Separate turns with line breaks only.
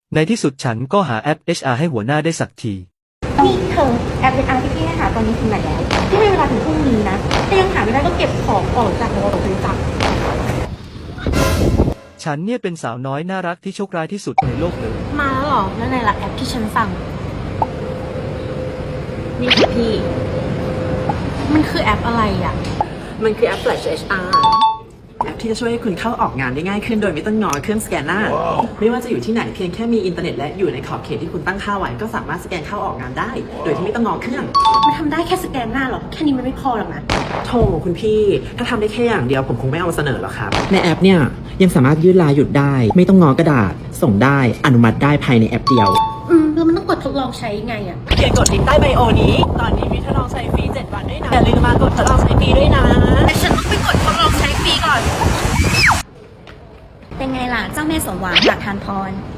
ในที่สุดฉันก็หาแอป HR ให้หัวหน้าได้สักที
นี่เธอแอป HR ที่พี่ให้หาตอนนี้ถึงไหนแล้วพี่ให้เวลาถึงพรุ่งนี้นะถ้ายังหาไม่ได้ก็เก็บของออกจากระบบบริจาค
ฉันเนี่ยเป็นสาวน้อยน่ารักที่โชคร้ายที่สุดในโลกเลย
มาแล้วเหรอแล้วไหนล่ะแอปที่ฉันสั่งนี่ค่ะพี่มันคือแอปอะไรอ่ะ
มันคือแอป Flash HR แอปที่จะช่วยให้คุณเข้าออกงานได้ง่ายขึ้นโดยไม่ต้องงอเครื่องสแกนหน้า ไม่ว่าจะอยู่ที่ไหนเพียงแค่มีอินเทอร์เน็ตและอยู่ในขอบเขตที่คุณตั้งค่าไว้ก็สามารถสแกนเข้าออกงานได้ โดยที่ไม่ต้องงอเครื่อง
มันทำได้แค่สแกนหน้าหรอแค่นี้มันไม่พอหรอกนะ
โธ่คุณพี่ถ้าทำได้แค่อย่างเดียวผมคงไม่เอามาเสนอหรอกครับ ในแอปเนี่ยยังสามารถยืดลาหยุดได้ ไม่ต้องงอกระดาษ ส่งได้อนุมัติได้ภายในแอปเดียว
แล้วมันต้องกดทดลองใช้ไงอ่ะ
เพียงกดลิงก์ใต้ไบโอนี้ ตอนนี้มีทดลองใช้ฟรี7 วันด้วยนะอย่าลืมมากดทดลองใช้ฟรีด้วยนะ
แต่ฉันต้องไปกดทดลองใช้ฟรีก่อน
เป็นไงล่ะ เจ้าแม่สมหวังหลักทานพร